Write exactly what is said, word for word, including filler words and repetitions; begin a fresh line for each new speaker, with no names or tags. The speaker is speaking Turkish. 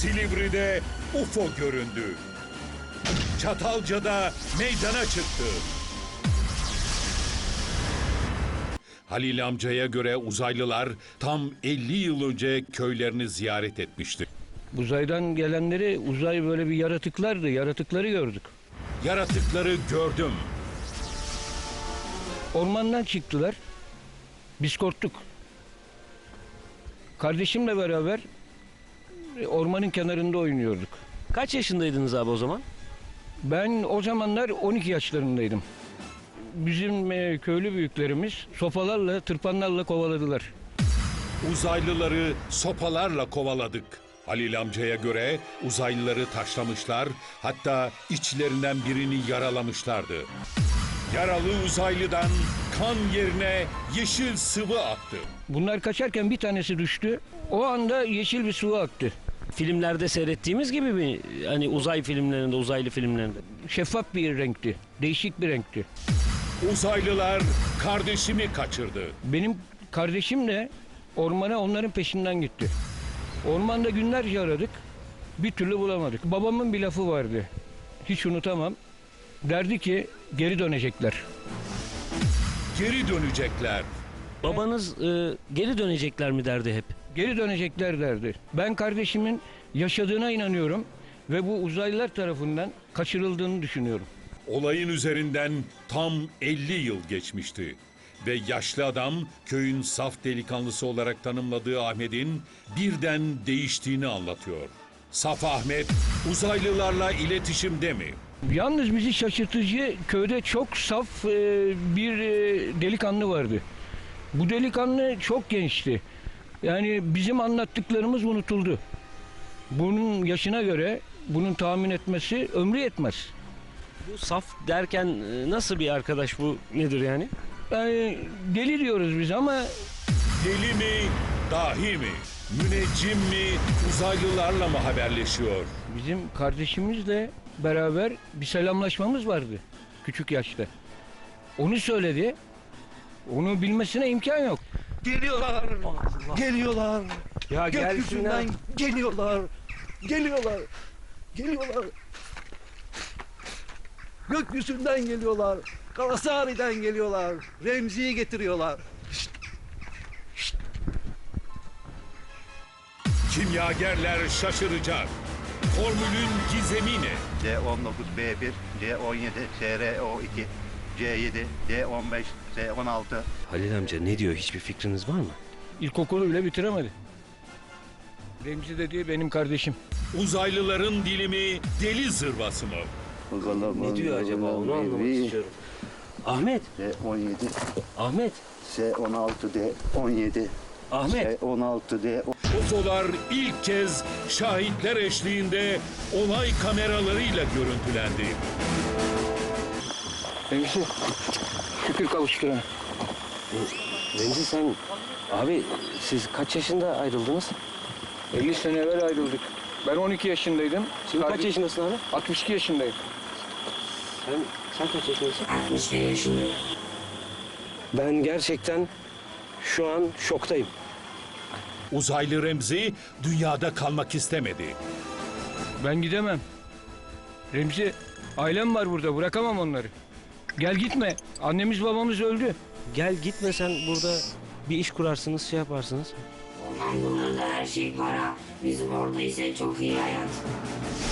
Silivri'de U F O göründü. Çatalca'da meydana çıktı. Halil amcaya göre uzaylılar tam elli yıl önce köylerini ziyaret etmişti.
Uzaydan gelenleri, uzay böyle bir yaratıklardı, yaratıkları gördük.
Yaratıkları gördüm.
Ormandan çıktılar, biz korktuk. Kardeşimle beraber ormanın kenarında oynuyorduk.
Kaç yaşındaydınız abi o zaman?
Ben o zamanlar on iki yaşlarındaydım. Bizim e, köylü büyüklerimiz sopalarla, tırpanlarla kovaladılar.
Uzaylıları sopalarla kovaladık. Halil amcaya göre uzaylıları taşlamışlar, hatta içlerinden birini yaralamışlardı. Yaralı uzaylıdan kan yerine yeşil sıvı aktı.
Bunlar kaçarken bir tanesi düştü. O anda yeşil bir sıvı aktı.
Filmlerde seyrettiğimiz gibi mi? Hani uzay filmlerinde, uzaylı filmlerinde.
Şeffaf bir renkti, değişik bir renkti.
Uzaylılar kardeşimi kaçırdı.
Benim kardeşim de ormana onların peşinden gitti. Ormanda günlerce aradık, bir türlü bulamadık. Babamın bir lafı vardı, hiç unutamam. Derdi ki geri dönecekler.
Geri dönecekler.
Babanız e, geri dönecekler mi derdi hep?
Geri dönecekler derdi. Ben kardeşimin yaşadığına inanıyorum ve bu uzaylılar tarafından kaçırıldığını düşünüyorum.
Olayın üzerinden tam elli yıl geçmişti. Ve yaşlı adam köyün saf delikanlısı olarak tanımladığı Ahmet'in birden değiştiğini anlatıyor. Saf Ahmet uzaylılarla iletişimde mi?
Yalnız bizi şaşırtıcı, köyde çok saf e, bir e, delikanlı vardı. Bu delikanlı çok gençti. Yani bizim anlattıklarımız unutuldu. Bunun yaşına göre bunun tahmin etmesi ömrü yetmez.
Bu saf derken e, nasıl bir arkadaş bu, nedir yani?
Yani deli diyoruz biz ama
Deli mi, dahi mi? Müneccim mi, uzaylılarla mı haberleşiyor?
bizim kardeşimizle beraber bir selamlaşmamız vardı küçük yaşta. Onu söyledi. Onu bilmesine imkan yok.
Geliyorlar. Geliyorlar.
Ya
Gökyüzünden geliyorlar. Geliyorlar. Geliyorlar. Gökyüzünden geliyorlar. Kalasari'den geliyorlar. Remzi'yi getiriyorlar.
Kimyagerler şaşıracak. Formülün gizemi ne?
C on dokuz B bir, C on yedi, S R O iki, C yedi, D on beş, S on altı.
Halil amca ne diyor, hiçbir fikriniz var mı?
İlkokulu bile bitiremedi. Remzi dediği benim kardeşim.
Uzaylıların dilimi deli zırvası mı?
Ne diyor acaba, onu anlamak istiyorum. Ahmet,
C on yedi,
Ahmet,
S on altı, D on yedi,
Ahmet.
S on altı, D
U F O'lar ilk kez şahitler eşliğinde olay kameralarıyla görüntülendi.
Remzi, şükür kavuşturana.
Remzi sen, abi siz kaç yaşında ayrıldınız?
elli sene evvel ayrıldık. Ben on iki yaşındaydım.
Şimdi kaç
Kardeş-
yaşındasın abi?
altmış iki yaşındayım.
Sen, sen kaç yaşındasın?
altmış bir yaşındayım.
Ben gerçekten şu an şoktayım.
Uzaylı Remzi dünyada kalmak istemedi.
Ben gidemem. Remzi, ailem var burada, bırakamam onları. Gel gitme. Annemiz babamız öldü.
Gel gitme, sen burada bir iş kurarsınız, şey yaparsınız.
Ondan bunlarda her şey para. Bizim orada ise çok iyi hayat.